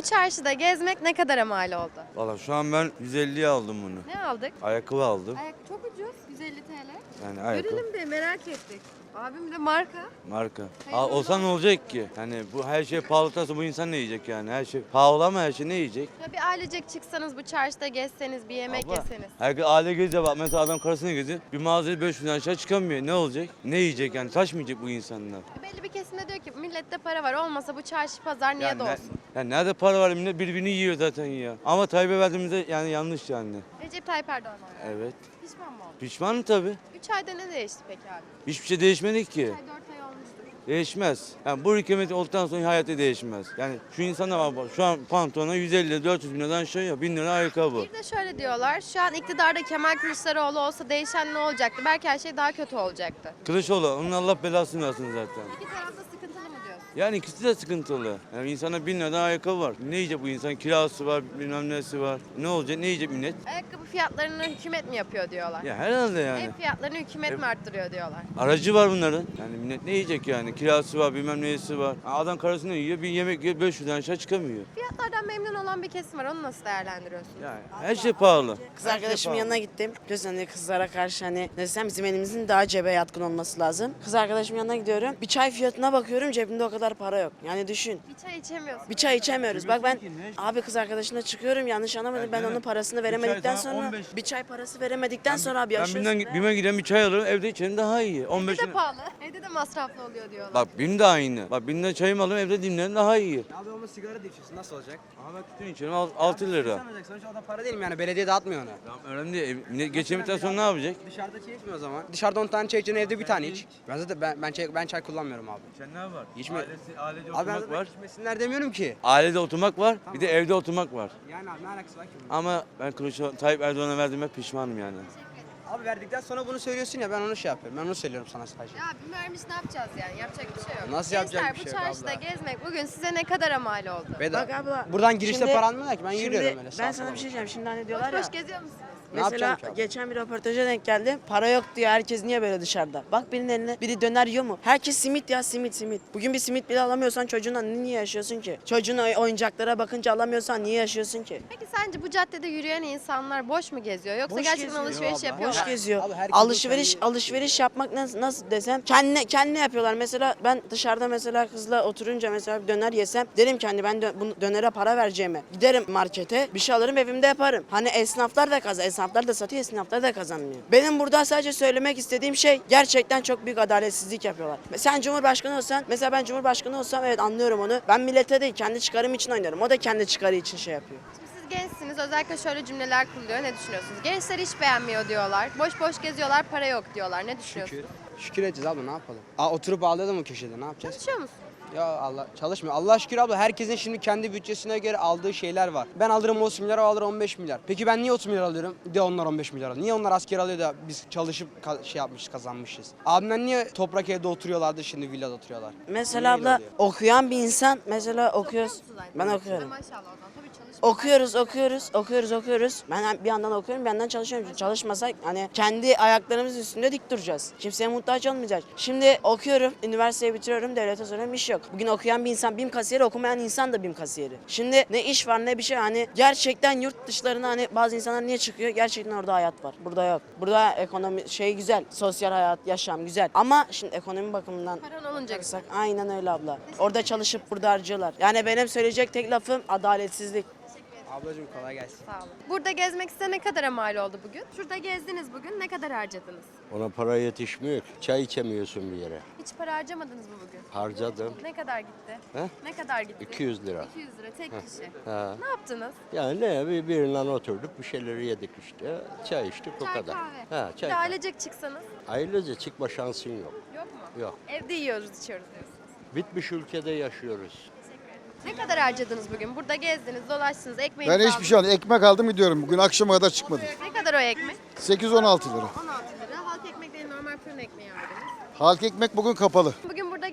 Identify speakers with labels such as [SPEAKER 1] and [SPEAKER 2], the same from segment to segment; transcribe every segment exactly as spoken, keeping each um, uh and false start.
[SPEAKER 1] çarşıda gezmek ne kadara mal oldu?
[SPEAKER 2] Valla şu an ben yüz elliye aldım bunu.
[SPEAKER 1] Ne aldık?
[SPEAKER 2] Ayakkabı aldım.
[SPEAKER 1] Ayak çok ucuz. yüz elli T L.
[SPEAKER 2] Yani ayakkabı.
[SPEAKER 1] Görelim bir merak ettik. Abim de marka.
[SPEAKER 2] Marka.
[SPEAKER 1] Hayırlı
[SPEAKER 2] Aa, olsa ne olacak ki? Yani bu her şey pahalı olsa bu insan ne yiyecek yani? Her şey pahalı ama her şey ne yiyecek?
[SPEAKER 1] Ya bir ailecek çıksanız bu çarşıda gezseniz, bir yemek
[SPEAKER 2] Abla,
[SPEAKER 1] yeseniz.
[SPEAKER 2] Herkes aile geziyor bak mesela adam karısına geziyor. Bir mağazaya beş yüzden aşağı çıkamıyor. Ne olacak? Ne yiyecek yani? Taş mı yiyecek bu insanlar?
[SPEAKER 1] E belli bir kesimde diyor ki millette para var, olmasa bu çarşı pazar niye
[SPEAKER 2] Yani,
[SPEAKER 1] de
[SPEAKER 2] ne-
[SPEAKER 1] olsun?
[SPEAKER 2] yani nerede para var millet birbirini yiyor zaten ya. Ama Tayyip'e verdiğimizde yani yanlış yani.
[SPEAKER 1] Recep Tayyip Erdoğan var.
[SPEAKER 2] Evet.
[SPEAKER 1] Pişman mı oldun?
[SPEAKER 2] Pişmanım tabii.
[SPEAKER 1] üç ayda ne değişti peki abi?
[SPEAKER 2] Hiçbir şey değişmedi ki.
[SPEAKER 1] üç ay dört ay olmuştur.
[SPEAKER 2] Değişmez. Yani bu hükümet olduktan sonra hayatı değişmez. Yani şu insana bak bak, şu an pantolona yüz elli dört yüz bin liradan şey ya bin lira ayakkabı.
[SPEAKER 1] Bir de şöyle diyorlar, şu an iktidarda Kemal Kılıçdaroğlu olsa değişen ne olacaktı? Belki her şey daha kötü olacaktı.
[SPEAKER 2] Kılıçoğlu onun Allah belasını versin zaten.
[SPEAKER 1] İki tarafta sıkıntılı mı diyorsun?
[SPEAKER 2] Yani ikisi de sıkıntılı. Yani insana bin liradan ayakkabı var. Ne yiyecek bu insan? Kirası var, bilmem nesi var. Ne olacak? Ne yiyecek millet?
[SPEAKER 1] Ayakkabı fiyatlarını hükümet mi yapıyor diyorlar?
[SPEAKER 2] Ya herhalde yani.
[SPEAKER 1] Ev fiyatlarını hükümet mi arttırıyor diyorlar?
[SPEAKER 2] Aracı var bunların. Yani millet ne yiyecek yani? Kirası var, bilmem nesi var. Adam karısını yiyor, bir yemek yiyor, beş yüzden aşağı çıkamıyor.
[SPEAKER 1] Fiyatlardan memnun olan bir kesim var, onu nasıl değerlendiriyorsun?
[SPEAKER 2] Yani her şey pahalı.
[SPEAKER 3] Kız
[SPEAKER 2] Her şey
[SPEAKER 3] arkadaşımın
[SPEAKER 2] pahalı.
[SPEAKER 3] yanına gittim. Biliyorsun hani kızlara karşı hani ne desem bizim elimizin daha cebe yatkın olması lazım. Kız arkadaşımın yanına gidiyorum. Bir çay fiyatına bakıyorum cebimde o kadar para yok. Yani düşün.
[SPEAKER 1] Bir çay içemiyorsun.
[SPEAKER 3] Bir çay içemiyoruz. Bak ben abi kız arkadaşımla çıkıyorum yanlış anlamadım. Ben
[SPEAKER 2] Yani
[SPEAKER 3] onun parasını
[SPEAKER 2] bir çay
[SPEAKER 3] veremedikten
[SPEAKER 2] sana
[SPEAKER 3] sonra
[SPEAKER 2] on beş
[SPEAKER 3] bir çay parası veremedikten sonra abi
[SPEAKER 2] Ben
[SPEAKER 3] yaşıyorsun.
[SPEAKER 2] binden
[SPEAKER 3] be.
[SPEAKER 2] bime giden bir çay alırım, evde içerim daha iyi. on beş
[SPEAKER 1] Evde de pahalı. Evde de masraflı oluyor diyorlar.
[SPEAKER 2] Bak bim de aynı. Bak bimden çayımı alırım, evde dimlerim daha iyi.
[SPEAKER 4] Abi ama sigara da içiyorsun nasıl olacak?
[SPEAKER 2] Ama ben tütün içiyorum altı lira.
[SPEAKER 4] Sen alacaksın sonuçta o da para değil mi yani belediye dağıtmıyor onu.
[SPEAKER 2] Tamam önemli değil. Ev- millet Geçemedikten sonra ne yapacak?
[SPEAKER 4] Dışarıda çay içmiyor o zaman. Dışarıda on tane çay içeceksin evde bir tane iç. Ben zaten ben, ben çay ben çay kullanmıyorum abi.
[SPEAKER 2] Sen ne var?
[SPEAKER 4] İçme-
[SPEAKER 2] Ailesi, ailece
[SPEAKER 4] Abi ben
[SPEAKER 2] oturmak
[SPEAKER 4] zaten
[SPEAKER 2] var.
[SPEAKER 4] içmesinler demiyorum ki.
[SPEAKER 2] Ailede oturmak var, bir de evde oturmak var.
[SPEAKER 4] Yani abi ne alakası var ki bunun?
[SPEAKER 2] Ama ben Kılıçdaroğlu, Tayyip Erdoğan'a verdiğime pişmanım yani.
[SPEAKER 4] Abi verdikten sonra bunu söylüyorsun ya ben onu şey yapıyorum. Ben onu söylüyorum sana sadece.
[SPEAKER 1] Ya bir vermiş ne yapacağız yani? Yapacak bir şey yok.
[SPEAKER 4] Nasıl
[SPEAKER 1] Gençler,
[SPEAKER 4] yapacak bir şey yok
[SPEAKER 1] bu çarşıda
[SPEAKER 4] abla?
[SPEAKER 1] gezmek bugün size ne kadar mal oldu?
[SPEAKER 4] Bedava.
[SPEAKER 3] Bak abla.
[SPEAKER 4] Buradan girişte
[SPEAKER 3] şimdi-
[SPEAKER 4] para almıyorlar ki ben
[SPEAKER 3] şimdi
[SPEAKER 4] yürüyorum öyle.
[SPEAKER 3] Ben
[SPEAKER 4] sağa
[SPEAKER 3] sana
[SPEAKER 4] sola.
[SPEAKER 3] bir şey diyeceğim. Şimdi hani
[SPEAKER 1] Boş
[SPEAKER 3] diyorlar ya.
[SPEAKER 1] boş geziyor musunuz?
[SPEAKER 4] Ne
[SPEAKER 3] Mesela
[SPEAKER 4] yapacağım ki abi?
[SPEAKER 3] geçen bir röportaja denk geldim. Para yok diyor. Herkes niye böyle dışarıda? Bak birinin eline biri döner yiyor mu? Herkes simit ya simit simit. Bugün bir simit bile alamıyorsan çocuğuna niye yaşıyorsun ki? Çocuğun oy- oyuncaklara bakınca alamıyorsan niye yaşıyorsun ki?
[SPEAKER 1] Peki sence bu caddede yürüyen insanlar boş mu geziyor? Yoksa
[SPEAKER 3] Boş
[SPEAKER 1] gerçekten
[SPEAKER 3] geziyor
[SPEAKER 1] alışveriş
[SPEAKER 4] abla.
[SPEAKER 1] yapıyorlar?
[SPEAKER 3] Boş geziyor.
[SPEAKER 4] Abi herkesin
[SPEAKER 3] Alışveriş
[SPEAKER 4] kendi-
[SPEAKER 3] alışveriş yapmak nasıl, nasıl desem kendi kendi yapıyorlar. Mesela ben dışarıda mesela kızla oturunca mesela bir döner yesem derim ki hani ben dö- bu dönere para vereceğime giderim markete bir şey alırım evimde yaparım. Hani esnaflar da kazan esnaflar da satıyor esnaflar da kazanmıyor. Benim burada sadece söylemek istediğim şey gerçekten çok büyük adaletsizlik yapıyorlar. Sen Cumhurbaşkanı olsan mesela ben Cumhurbaşkanı olsam evet anlıyorum onu. Ben millete değil kendi çıkarım için oynarım. O da kendi çıkarı için şey yapıyor.
[SPEAKER 1] Şimdi siz gençsiniz, özellikle şöyle cümleler kuruluyor. Ne düşünüyorsunuz? Gençler hiç beğenmiyor diyorlar. Boş boş geziyorlar, para yok diyorlar. Ne düşünüyorsunuz?
[SPEAKER 4] Şükür. Şükür edeceğiz abla ne yapalım? Aa, oturup ağlayalım mı köşede ne yapacağız?
[SPEAKER 1] Çalışıyor musun?
[SPEAKER 4] Ya Allah çalışmıyor. Allah şükür abla herkesin şimdi kendi bütçesine göre aldığı şeyler var. Ben alırım otuz milyar, o alır on beş milyar. Peki ben niye otuz milyar alıyorum? De onlar on beş milyar alıyor. Niye onlar asker alıyor da biz çalışıp ka- şey yapmışız, kazanmışız? Abimler niye toprak evde oturuyorlardı şimdi villada oturuyorlar?
[SPEAKER 3] Mesela
[SPEAKER 4] Niye öyle
[SPEAKER 3] abla
[SPEAKER 4] oluyor?
[SPEAKER 3] okuyan bir insan mesela okuyoruz.
[SPEAKER 1] Okuyor musunuz
[SPEAKER 3] Ben
[SPEAKER 1] aynı
[SPEAKER 3] okuyorum.
[SPEAKER 1] zamanda? Maşallah o zaman. Tabii çalışmıyor.
[SPEAKER 3] Okuyoruz, okuyoruz, okuyoruz, okuyoruz. Ben bir yandan okuyorum, bir yandan çalışıyorum. Çünkü çalışmasak hani kendi ayaklarımızın üstünde dik duracağız. Kimseye muhtaç olmayacağız. Şimdi okuyorum, üniversiteyi bitiriyorum, devlete soruyorum iş yok. Bugün okuyan bir insan BİM kasiyeri, okumayan insan da BİM kasiyeri. Şimdi ne iş var ne bir şey hani gerçekten yurt dışlarına hani bazı insanlar niye çıkıyor? Gerçekten orada hayat var. Burada yok. Burada ekonomi şey güzel, sosyal hayat, yaşam güzel. Ama şimdi ekonomi bakımından
[SPEAKER 1] Paran olunca
[SPEAKER 3] bakarsak aynen öyle abla. Orada çalışıp burada harcıyorlar. Yani benim söyleyecek tek lafım adaletsizlik.
[SPEAKER 4] Ablacığım kolay gelsin.
[SPEAKER 1] sağ olun. Burada gezmek size ne kadar mal oldu bugün? Şurada gezdiniz bugün. Ne kadar harcadınız?
[SPEAKER 5] Ona para yetişmiyor ki. Çay içemiyorsun bir yere.
[SPEAKER 1] Hiç para harcamadınız mı bugün?
[SPEAKER 5] Harcadım.
[SPEAKER 1] Ne kadar gitti?
[SPEAKER 5] He?
[SPEAKER 1] Ne kadar gitti?
[SPEAKER 5] iki yüz lira.
[SPEAKER 1] iki yüz lira tek kişi.
[SPEAKER 5] Ha.
[SPEAKER 1] Ne yaptınız?
[SPEAKER 5] Yani ne bir birinden oturduk bir şeyleri yedik işte. Çay içtik o
[SPEAKER 1] Çay
[SPEAKER 5] kadar.
[SPEAKER 1] kahve.
[SPEAKER 5] Ha,
[SPEAKER 1] Bir
[SPEAKER 5] çay
[SPEAKER 1] de
[SPEAKER 5] kahve.
[SPEAKER 1] ailecek çıksanız
[SPEAKER 5] Ailece çıkma şansın yok.
[SPEAKER 1] yok mu?
[SPEAKER 5] Yok.
[SPEAKER 1] Evde yiyoruz, içiyoruz diyorsunuz.
[SPEAKER 5] Bitmiş ülkede yaşıyoruz.
[SPEAKER 1] Ne kadar harcadınız bugün? Burada gezdiniz, dolaştınız, ekmeği
[SPEAKER 6] Ben hiçbir şey almadım. Ekmek aldım gidiyorum. Bugün akşama kadar çıkmadım.
[SPEAKER 1] Ne kadar o ekmek?
[SPEAKER 6] sekiz on altı lira.
[SPEAKER 1] on altı lira. Halk ekmek değil, normal fırın ekmeği aldınız.
[SPEAKER 6] Halk ekmek bugün kapalı.
[SPEAKER 1] Bugün burada gezmek ne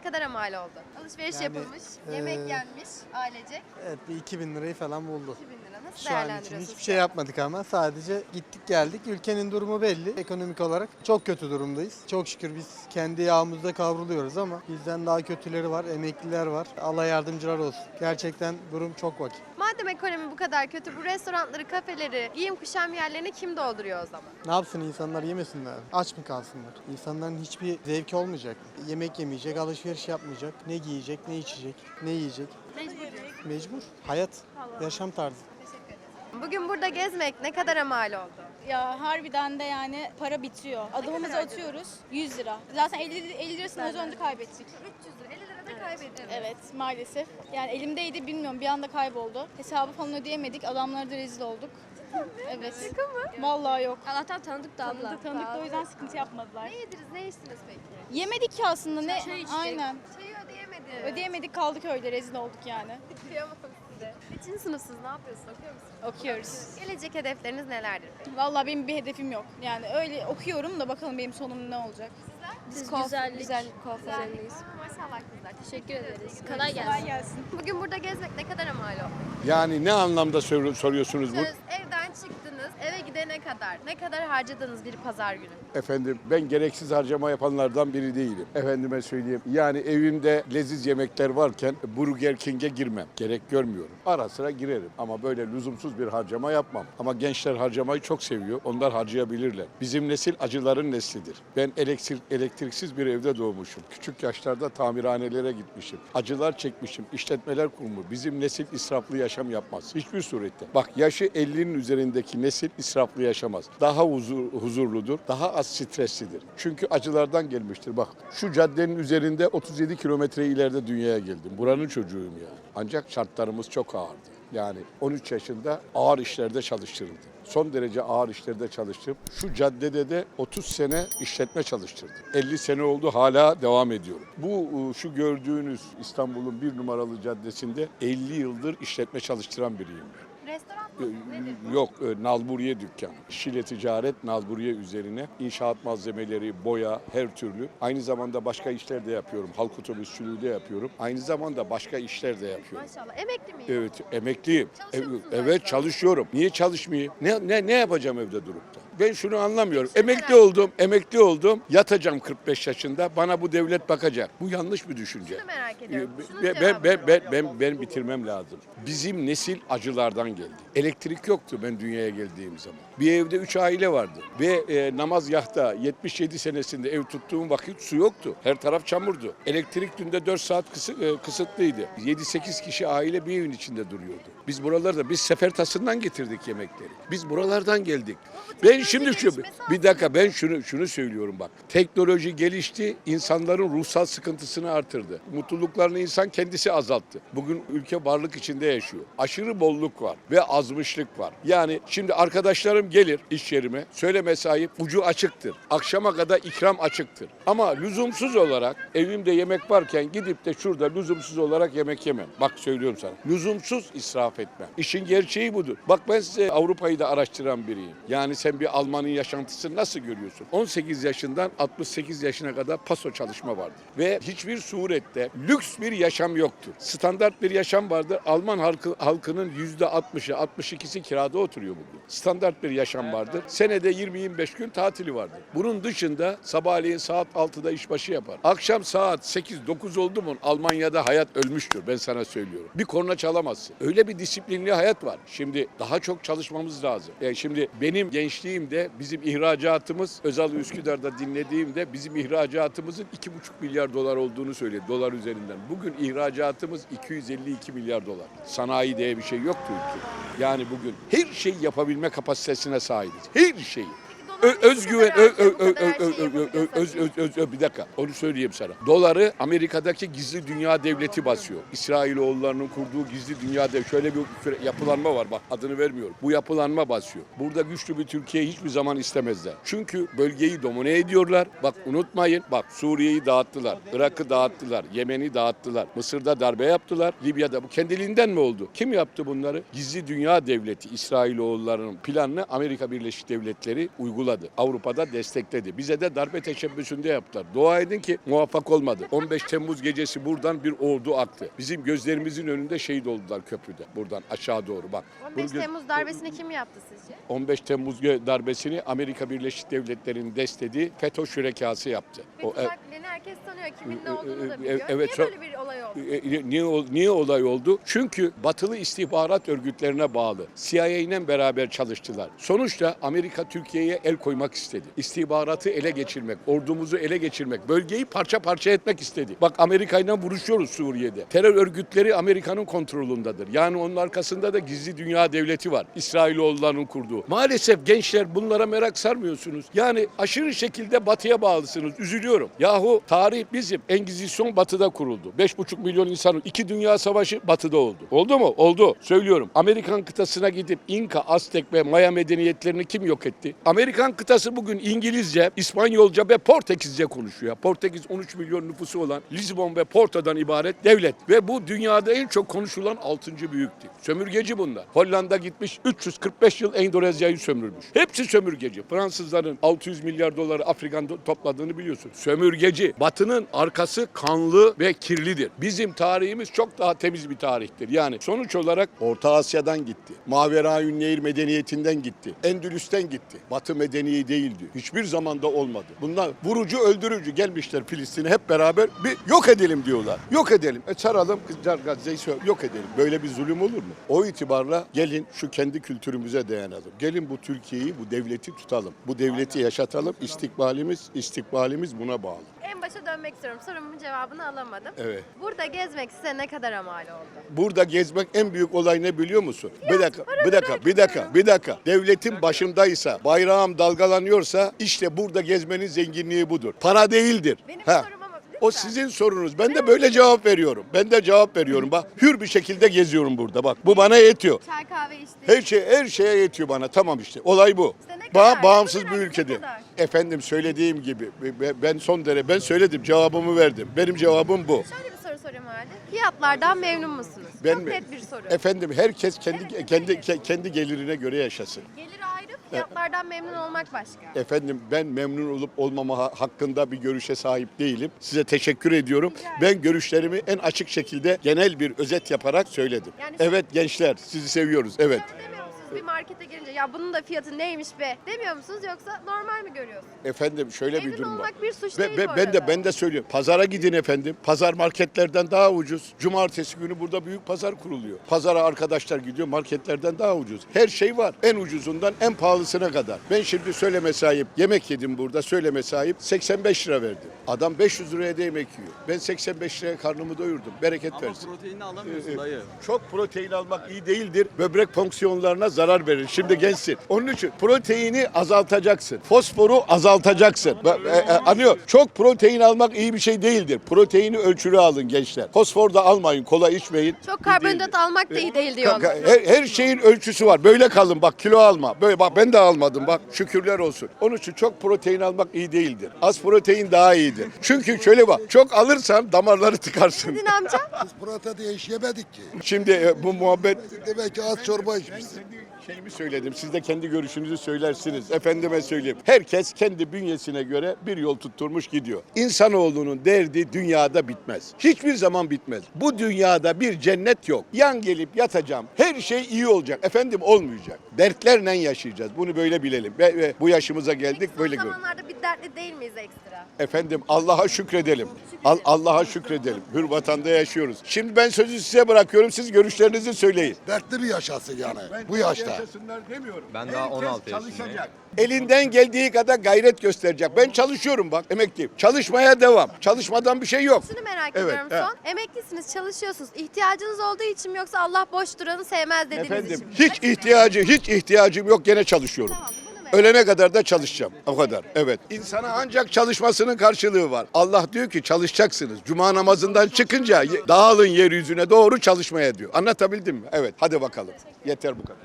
[SPEAKER 1] kadar mal oldu? Alışveriş
[SPEAKER 7] Yani,
[SPEAKER 1] yapılmış, yemek
[SPEAKER 7] eee,
[SPEAKER 1] yenmiş ailecek.
[SPEAKER 7] Evet bir iki bin lirayı falan buldu.
[SPEAKER 1] iki bin lira. Nasıl
[SPEAKER 7] Şu an için
[SPEAKER 1] değerlendiriyorsunuz?
[SPEAKER 7] hiçbir şey yapmadık ama sadece gittik geldik. Ülkenin durumu belli. Ekonomik olarak çok kötü durumdayız. Çok şükür biz kendi yağımızda kavruluyoruz ama bizden daha kötüleri var, emekliler var. Allah yardımcılar olsun. Gerçekten durum çok vaki.
[SPEAKER 1] Madem ekonomi bu kadar kötü, bu restoranları, kafeleri, giyim kuşam yerlerini kim dolduruyor o zaman?
[SPEAKER 7] Ne yapsın insanlar, yemesinler? Aç mı kalsınlar? İnsanların hiçbir zevki olmayacak. Yemek yemeyecek, alışveriş yapmayacak. Ne giyecek, ne içecek, ne yiyecek?
[SPEAKER 1] Mecbur diyorsun.
[SPEAKER 7] Mecbur. Hayat, yaşam tarzı.
[SPEAKER 1] Bugün burada gezmek ne kadar mal oldu?
[SPEAKER 8] Ya harbiden de yani para bitiyor. Adımımızı
[SPEAKER 1] kadar
[SPEAKER 8] atıyoruz yüz lira. Zaten elli, elli lirasını az önce kaybettik.
[SPEAKER 1] üç yüz lira, elli lira da kaybettim.
[SPEAKER 8] Evet maalesef. Yani elimdeydi bilmiyorum bir anda kayboldu. Hesabı falan ödeyemedik. Adamlara da rezil olduk. Evet.
[SPEAKER 1] Şaka mı?
[SPEAKER 8] Vallahi yok.
[SPEAKER 9] Allah'tan tanıdık da abla.
[SPEAKER 8] Tanıdık tanıdık da o yüzden sıkıntı yapmadılar.
[SPEAKER 1] Ne yediniz, ne içtiniz peki?
[SPEAKER 8] Yemedik ki aslında ne?
[SPEAKER 9] Çay içtik.
[SPEAKER 8] Aynen.
[SPEAKER 1] Çayı ödeyemedim.
[SPEAKER 8] Ödeyemedik kaldık öyle rezil olduk yani.
[SPEAKER 1] Kıyamam size. Kaçıncı sınıfsınız, ne yapıyorsunuz, okuyor musunuz?
[SPEAKER 8] Okuyoruz.
[SPEAKER 1] Gelecek hedefleriniz nelerdir peki?
[SPEAKER 8] Vallahi benim bir hedefim yok. Yani öyle okuyorum da bakalım benim sonum ne olacak.
[SPEAKER 9] Biz
[SPEAKER 8] Kuaf-
[SPEAKER 9] güzellik,
[SPEAKER 8] güzellik
[SPEAKER 9] kuaförlerindeyiz.
[SPEAKER 1] Maşallah kızlar.
[SPEAKER 9] Teşekkür ederiz. Kolay gelsin.
[SPEAKER 8] Kolay gelsin.
[SPEAKER 1] Bugün burada gezmek ne kadar mal oldu?
[SPEAKER 10] Yani ne anlamda sor- soruyorsunuz bu?
[SPEAKER 1] Söz, evden çıktınız, eve gidene kadar ne kadar harcadınız bir pazar günü?
[SPEAKER 10] Efendim ben gereksiz harcama yapanlardan biri değilim. Efendime söyleyeyim. Yani evimde leziz yemekler varken Burger King'e girmem. Gerek görmüyorum. Ara sıra girerim ama böyle lüzumsuz bir harcama yapmam. Ama gençler harcamayı çok seviyor. Onlar harcayabilirler. Bizim nesil acıların neslidir. Ben elektrik, elektriksiz bir evde doğmuşum. Küçük yaşlarda tamirhanelere gitmişim. Acılar çekmişim. İşletmeler kurmuş. Bizim nesil israflı yaşam yapmaz. Hiçbir surette. Bak yaşı ellinin üzerindeki nesil israflı yaşamaz. Daha huzur, huzurludur. Daha az streslidir. Çünkü acılardan gelmiştir. Bak şu caddenin üzerinde otuz yedi kilometre ileride dünyaya geldim. Buranın çocuğuyum yani. Ancak şartlarımız çok ağırdı. Yani on üç yaşında ağır işlerde çalıştırıldı. Son derece ağır işlerde çalıştım. Şu caddede de otuz sene işletme çalıştırdım. elli sene oldu hala devam ediyorum. Bu şu gördüğünüz İstanbul'un bir numaralı caddesinde elli yıldır işletme çalıştıran biriyim ben.
[SPEAKER 1] Restoran mı? Nedir bu?
[SPEAKER 10] Yok, e, nalburiye dükkanı. Şile ticaret, nalburiye üzerine inşaat malzemeleri, boya, her türlü. Aynı zamanda başka işler de yapıyorum. Halk otobüsçülüğü de yapıyorum. Aynı zamanda başka işler de yapıyorum.
[SPEAKER 1] Maşallah. Emekli miyim?
[SPEAKER 10] Evet, emekliyim.
[SPEAKER 1] Çalışıyor
[SPEAKER 10] Evet,
[SPEAKER 1] musunuz
[SPEAKER 10] evet,
[SPEAKER 1] galiba?
[SPEAKER 10] çalışıyorum. Niye çalışmayayım? Ne ne ne yapacağım evde durup da? Ben şunu anlamıyorum.
[SPEAKER 1] Şunu
[SPEAKER 10] Emekli
[SPEAKER 1] merak
[SPEAKER 10] oldum, emekli oldum. Yatacağım kırk beş yaşında. Bana bu devlet bakacak. Bu yanlış bir düşünce.
[SPEAKER 1] Şunu merak ediyorum. Şunun
[SPEAKER 10] Ben, ben,
[SPEAKER 1] cevabını
[SPEAKER 10] ben, ben,
[SPEAKER 1] alalım.
[SPEAKER 10] ben, ben bitirmem lazım. Bizim nesil acılardan geldi. Elektrik yoktu ben dünyaya geldiğim zaman. Bir evde üç aile vardı. Ve e, namazgahta yetmiş yedi senesinde ev tuttuğum vakit su yoktu. Her taraf çamurdu. Elektrik günde dört saat kısı, e, kısıtlıydı. yedi sekiz kişi aile bir evin içinde duruyordu. Biz buralarda, biz Sefertası'ndan getirdik yemekleri. Biz buralardan geldik. Ben şimdi şu, bir dakika ben şunu şunu söylüyorum bak. Teknoloji gelişti, insanların ruhsal sıkıntısını artırdı. Mutluluklarını insan kendisi azalttı. Bugün ülke varlık içinde yaşıyor. Aşırı bolluk var ve azmışlık var. Yani şimdi arkadaşlarım gelir iş yerime, söyleme sahip ucu açıktır. Akşama kadar ikram açıktır. Ama lüzumsuz olarak evimde yemek varken gidip de şurada lüzumsuz olarak yemek yemem. Bak söylüyorum sana. Lüzumsuz israf etmem. İşin gerçeği budur. Bak ben size Avrupa'yı da araştıran biriyim. Yani sen bir Alman'ın yaşantısını nasıl görüyorsun? on sekiz yaşından altmış sekiz yaşına kadar paso çalışma vardır. Ve hiçbir surette lüks bir yaşam yoktur. Standart bir yaşam vardır. Alman halkı, halkının yüzde altmışı, altmış ikisi kirada oturuyor bugün. Standart bir yaşam vardır. Senede yirmi yirmi beş gün tatili vardır. Bunun dışında sabahleyin saat altıda işbaşı yapar. Akşam saat sekiz dokuz oldu mu Almanya'da hayat ölmüştür. Ben sana söylüyorum. Bir korna çalamazsın. Öyle bir disiplinli hayat var. Şimdi daha çok çalışmamız lazım. Yani şimdi benim gençliğimde bizim ihracatımız Özal Üsküdar'da dinlediğimde bizim ihracatımızın iki buçuk milyar dolar olduğunu söyledi. Dolar üzerinden. Bugün ihracatımız iki yüz elli iki milyar dolar. Sanayi diye bir şey yoktu ülkede. Yani bugün her şeyi yapabilme kapasitesine sahibiz. Her şeyi. Ö- özgüven, ö- ö- ö- ö- ö- ö- ö- öz- öz- öz- ö- bir dakika onu söyleyeyim sana. Doları Amerika'daki gizli dünya devleti basıyor. İsrailoğullarının kurduğu gizli dünya devleti. Şöyle bir yapılanma var bak adını vermiyorum. Bu yapılanma basıyor. Burada güçlü bir Türkiye hiçbir zaman istemezler. Çünkü bölgeyi domine ediyorlar. Bak unutmayın bak Suriye'yi dağıttılar. Irak'ı dağıttılar. Yemen'i dağıttılar. Mısır'da darbe yaptılar. Libya'da bu kendiliğinden mi oldu? Kim yaptı bunları? Gizli dünya devleti İsrailoğullarının planını Amerika Birleşik Devletleri uyguladı. uyguladı. Avrupa'da destekledi. Bize de darbe teşebbüsünde yaptılar. Dua edin ki muvaffak olmadı. on beş Temmuz gecesi buradan bir ordu aktı. Bizim gözlerimizin önünde şehit oldular köprüde. Buradan aşağı doğru bak.
[SPEAKER 1] on beş
[SPEAKER 10] Bunu gö-
[SPEAKER 1] Temmuz darbesini kim yaptı sizce?
[SPEAKER 10] on beş Temmuz darbesini Amerika Birleşik Devletleri'nin desteği FETÖ şürekası yaptı. O,
[SPEAKER 1] Fethullah Gülen'i herkes tanıyor. Kimin ne olduğunu da
[SPEAKER 10] e,
[SPEAKER 1] biliyor.
[SPEAKER 10] evet,
[SPEAKER 1] Niye
[SPEAKER 10] çok-
[SPEAKER 1] böyle bir olay oldu?
[SPEAKER 10] E, e, Niye, ol- niye olay oldu? Çünkü batılı istihbarat örgütlerine bağlı. C I A ile beraber çalıştılar. Sonuçta Amerika Türkiye'ye el koymak istedi. İstihbaratı ele geçirmek, ordumuzu ele geçirmek, bölgeyi parça parça etmek istedi. Bak Amerika ile vuruşuyoruz Suriye'de. Terör örgütleri Amerika'nın kontrolündedir. Yani onun arkasında da gizli dünya devleti var. İsrailoğullarının kurduğu. Maalesef gençler bunlara merak sarmıyorsunuz. Yani aşırı şekilde batıya bağlısınız. Üzülüyorum. Yahu tarih bizim. Engizisyon batıda kuruldu. beş buçuk milyon insanın iki dünya savaşı batıda oldu. Oldu mu? Oldu. Söylüyorum. Amerikan kıtasına gidip İnka, Aztek ve Maya medeniyetlerini kim yok etti? Amerikan kıtası bugün İngilizce, İspanyolca ve Portekizce konuşuyor. Portekiz on üç milyon nüfusu olan Lisbon ve Porto'dan ibaret devlet. Ve bu dünyada en çok konuşulan altıncı büyüktü. Sömürgeci bunlar. Hollanda gitmiş üç yüz kırk beş yıl Endonezya'yı sömürmüş. Hepsi sömürgeci. Fransızların altı yüz milyar doları Afrika'dan topladığını biliyorsun. Sömürgeci. Batının arkası kanlı ve kirlidir. Bizim tarihimiz çok daha temiz bir tarihtir. Yani sonuç olarak
[SPEAKER 5] Orta Asya'dan gitti. Maveraün Nehir medeniyetinden gitti. Endülüs'ten gitti. Batı medeniyi değildi. Hiçbir zamanda olmadı. Bunlar vurucu öldürücü gelmişler Filistin'e hep beraber bir yok edelim diyorlar. Yok edelim. E çaralım kızlar Gazze'yi sö- yok edelim. Böyle bir zulüm olur mu? O itibarla gelin şu kendi kültürümüze dayanalım. Gelin bu Türkiye'yi, bu devleti tutalım. Bu devleti yaşatalım. İstikbalimiz, istikbalimiz buna bağlı.
[SPEAKER 1] En başa dönmek istiyorum. Sorumun cevabını alamadım.
[SPEAKER 5] Evet.
[SPEAKER 1] Burada gezmek size ne kadar mal oldu?
[SPEAKER 5] Burada gezmek en büyük olay ne biliyor musun? Bir dakika, bir dakika, bir dakika, bir dakika. Devletin başındaysa, bayrağım dalgalanıyorsa işte burada gezmenin zenginliği budur. Para değildir.
[SPEAKER 1] Benim
[SPEAKER 5] Ha.
[SPEAKER 1] sorum ama lütfen.
[SPEAKER 5] O sizin sorunuz. Ben de böyle cevap veriyorum. Ben de cevap veriyorum. Bak hür bir şekilde geziyorum burada. Bak bu bana yetiyor.
[SPEAKER 1] Çay kahve içtik.
[SPEAKER 5] Her şey her şeye yetiyor bana. Tamam işte. Olay bu.
[SPEAKER 1] İşte ne
[SPEAKER 5] Ba-
[SPEAKER 1] kadar?
[SPEAKER 5] bağımsız
[SPEAKER 1] Ne
[SPEAKER 5] bir
[SPEAKER 1] kadar?
[SPEAKER 5] ülkede.
[SPEAKER 1] Ne kadar?
[SPEAKER 5] Efendim söylediğim gibi be- ben son derece ben söyledim cevabımı verdim. Benim cevabım bu.
[SPEAKER 1] Şöyle bir soru sorayım o halde. Fiyatlardan memnun musunuz?
[SPEAKER 5] Ben
[SPEAKER 1] Çok
[SPEAKER 5] mi?
[SPEAKER 1] net bir soru.
[SPEAKER 5] Efendim herkes kendi
[SPEAKER 1] Evet,
[SPEAKER 5] kendi
[SPEAKER 1] evet.
[SPEAKER 5] ke- kendi gelirine göre yaşasın.
[SPEAKER 1] Gelir ayrı, fiyatlardan memnun olmak başka.
[SPEAKER 5] Efendim ben memnun olup olmama ha- hakkında bir görüşe sahip değilim. Size teşekkür ediyorum. Ben görüşlerimi en açık şekilde genel bir özet yaparak söyledim.
[SPEAKER 1] Yani-
[SPEAKER 5] Evet gençler sizi seviyoruz. Evet.
[SPEAKER 1] Şöyle demiyor musunuz bir markete girince ya bunun da fiyatı neymiş be demiyor musunuz yoksa normal mi görüyorsunuz?
[SPEAKER 5] Efendim şöyle bir
[SPEAKER 1] Memnun
[SPEAKER 5] durum var.
[SPEAKER 1] olmak bir suç
[SPEAKER 5] Ve,
[SPEAKER 1] değil
[SPEAKER 5] ve
[SPEAKER 1] bu
[SPEAKER 5] ben de
[SPEAKER 1] arada.
[SPEAKER 5] ben de söylüyorum. Pazara gidin efendim. Pazar marketlerden daha ucuz. Cumartesi günü burada büyük pazar kuruluyor. Pazara arkadaşlar gidiyor marketlerden daha ucuz. Her şey var. En ucuzundan en pahalısına kadar. Ben şimdi söyleme sahip yemek yedim burada. Söyleme sahip seksen beş lira verdim. Adam beş yüz liraya da yemek yiyor. Ben seksen beş liraya karnımı doyurdum. Bereket versin.
[SPEAKER 2] Ama proteinini alamıyorsun
[SPEAKER 5] Ee,
[SPEAKER 2] dayı.
[SPEAKER 5] Çok protein almak iyi değildir. Böbrek fonksiyonlarına zarar verir. Şimdi gençsin. Onun için proteini azaltacaksın. Fosforu azaltacaksın. Bak, e, e, anlıyor. Çok protein almak iyi bir şey değildir. Proteini ölçülü alın gençler. Fosfor da almayın. Kola içmeyin.
[SPEAKER 1] Çok
[SPEAKER 5] İyi
[SPEAKER 1] karbonhidrat
[SPEAKER 5] değildir.
[SPEAKER 1] almak da iyi değil
[SPEAKER 5] Ka-
[SPEAKER 1] diyorlar.
[SPEAKER 5] ka- Her, her şeyin ölçüsü var. Böyle kalın bak kilo alma. Böyle bak ben de almadım bak şükürler olsun. Onun için çok protein almak iyi değildir. Az protein daha iyidir. Çünkü şöyle bak çok alırsan damarları tıkarsın.
[SPEAKER 1] Dedin amca.
[SPEAKER 6] Protein hiç yemedik ki.
[SPEAKER 5] Şimdi e, bu muhabbet
[SPEAKER 6] Demek ki az çorba içmişsin.
[SPEAKER 5] kendi şeyimi söyledim. Siz de kendi görüşünüzü söylersiniz. Efendime söyleyeyim. Herkes kendi bünyesine göre bir yol tutturmuş gidiyor. İnsanoğlunun derdi dünyada bitmez. Hiçbir zaman bitmez. Bu dünyada bir cennet yok. Yan gelip yatacağım. Her şey iyi olacak. Efendim olmayacak. Dertlerle yaşayacağız. Bunu böyle bilelim. Ve, ve bu yaşımıza geldik
[SPEAKER 1] Peki
[SPEAKER 5] böyle
[SPEAKER 1] son
[SPEAKER 5] gör.
[SPEAKER 1] zamanlarda bir dertli değil miyiz ekstra?
[SPEAKER 5] Efendim Allah'a şükredelim. Al- Allah'a şükredelim. Hür vatanda yaşıyoruz. Şimdi ben sözü size bırakıyorum. Siz görüşlerinizi söyleyin.
[SPEAKER 6] Dertli bir yaşasın yani bu yaşta.
[SPEAKER 5] Demiyorum.
[SPEAKER 2] Ben daha on altı yaşındayım.
[SPEAKER 5] Elinden geldiği kadar gayret gösterecek. Ben çalışıyorum bak emekliyim. Çalışmaya devam. Çalışmadan bir şey yok.
[SPEAKER 1] Şunu merak
[SPEAKER 5] Evet,
[SPEAKER 1] ediyorum
[SPEAKER 5] he.
[SPEAKER 1] son. Emeklisiniz, çalışıyorsunuz. İhtiyacınız olduğu için mi yoksa Allah boş duranı sevmez dediğiniz
[SPEAKER 5] Efendim
[SPEAKER 1] için mi?
[SPEAKER 5] hiç ihtiyacı hiç ihtiyacım yok gene çalışıyorum.
[SPEAKER 1] Tamam, bunu merak
[SPEAKER 5] Ölene kadar da çalışacağım. O kadar. Evet. İnsana ancak çalışmasının karşılığı var. Allah diyor ki çalışacaksınız. Cuma namazından çıkınca ye- dağılın yeryüzüne doğru çalışmaya diyor. Anlatabildim mi? Evet. Hadi bakalım. Yeter bu kadar.